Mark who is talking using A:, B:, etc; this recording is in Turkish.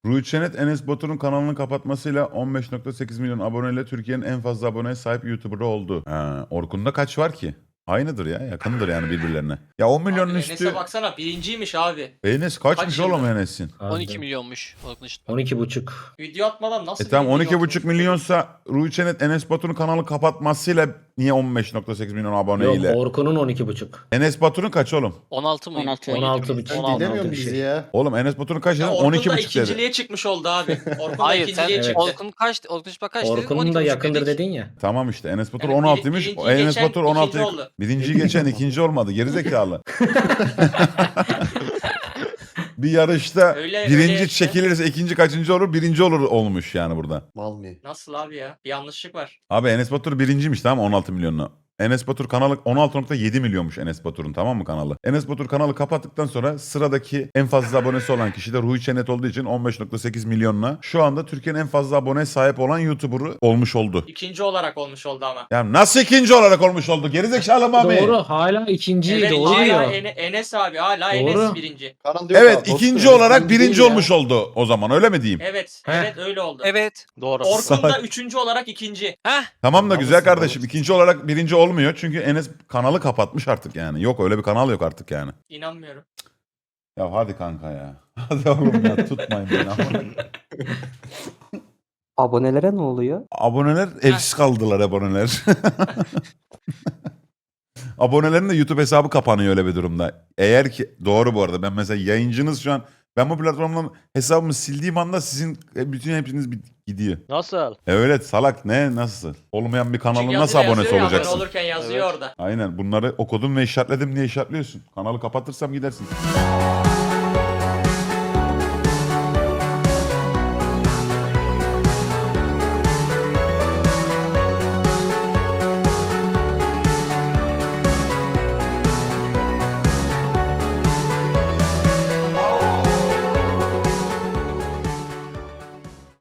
A: Ruhi Çenet, Enes Batur'un kanalını kapatmasıyla 15.8 milyon aboneyle Türkiye'nin en fazla aboneye sahip YouTuber oldu. Orkun'da kaç var ki? Aynıdır ya, yakındır yani birbirlerine. Ya 10 milyonun
B: Abi
A: üstü.
B: Enes'e baksana birinciymiş abi.
A: Enes kaçmış
B: Kaç
A: oğlum
B: yıldır?
A: Enes'in?
C: 12 milyonmuş.
D: 12,5.
B: Video atmadan nasıl
A: Tamam
B: birinci
A: 12,5
B: olmuş?
A: milyonsa Ruhi Çenet, Enes Batur'un kanalı kapatmasıyla niye 15.8 milyon
D: Yok
A: aboneyle?
D: Orkun'un 12,5.
A: Enes Batur'un kaç oğlum?
C: 16 mı?
E: 16.
D: 16,5.
F: Sen
D: 16
F: dinlemiyor musun
D: bir
F: bizi
D: şey.
F: ya?
A: Oğlum Enes Batur'un kaç
B: Ya
A: dedin?
B: Orkun da
A: 12,5 dedi.
B: ikinciliğe çıkmış oldu abi. Orkun da
C: Hayır sen
B: ikinciliğe çıktı.
C: Orkun kaç? Orkun Işık'a kaç dedin?
D: Orkun'un da
C: 12,5
D: yakındır
C: dedik.
D: dedin ya.
A: Tamam işte Enes Batur
B: Yani
A: 16'ymış.
B: birinciyi
A: Enes
B: geçen
A: Batur
B: ikinci
A: 16.
B: oldu.
A: Birinciyi geçen ikinci olmadı. Gerizekalı. Bir yarışta
B: Öyle
A: birinci
B: işte.
A: çekilirse ikinci kaçıncı olur? Birinci olur olmuş yani burada.
F: Mal mı?
B: Nasıl abi ya? Bir yanlışlık var.
A: Abi Enes Batur birinciymiş tamam 16 milyonla. Enes Batur kanalı 16.7 milyonmuş Enes Batur'un tamam mı kanalı? Enes Batur kanalı kapattıktan sonra sıradaki en fazla abonesi olan kişi de Ruhi Çenet olduğu için 15.8 milyonla şu anda Türkiye'nin en fazla aboneye sahip olan YouTuber'ı olmuş oldu.
B: İkinci olarak olmuş oldu ama.
A: Ya nasıl ikinci olarak olmuş oldu? Gerizekalı mı abi?
D: Doğru hala ikinci
B: Evet
D: doğru
B: hala
D: diyor.
B: Enes abi hala
D: Doğru.
B: Enes birinci.
F: Karan diyor
A: Evet
F: ki,
A: ikinci
F: dostum,
A: olarak
F: birinci
A: birinci
F: değil ya.
A: olmuş oldu o zaman öyle mi diyeyim?
B: Evet
D: Heh.
B: evet öyle oldu.
C: Evet. Doğru.
B: Orkun da üçüncü olarak ikinci.
C: Heh.
A: Tamam da
F: Tamam,
A: güzel
F: mısın,
A: kardeşim
F: oğlum?
A: ikinci olarak birinci olmuyor çünkü Enes kanalı kapatmış artık yani. Yok öyle bir kanal yok artık yani.
B: İnanmıyorum.
A: Ya hadi kanka ya. Hadi oğlum ya tutmayın beni ama.
E: Abonelere ne oluyor?
A: Aboneler evsiz kaldılar aboneler. Abonelerin de YouTube hesabı kapanıyor öyle bir durumda. Eğer ki doğru bu arada ben mesela yayıncınız şu an ben bu platformdan hesabımı sildiğim anda sizin bütün hepiniz gidiyor.
G: Nasıl?
A: Öyle salak ne nasıl? Olmayan bir kanalın
B: Çünkü
A: nasıl
B: yazıyor
A: abonesi
B: ya,
A: olacaksın?
B: Abone olurken yazıyor
G: Evet.
B: orada.
A: Aynen bunları okudum ve işaretledim diye işaretliyorsun. Kanalı kapatırsam gidersin.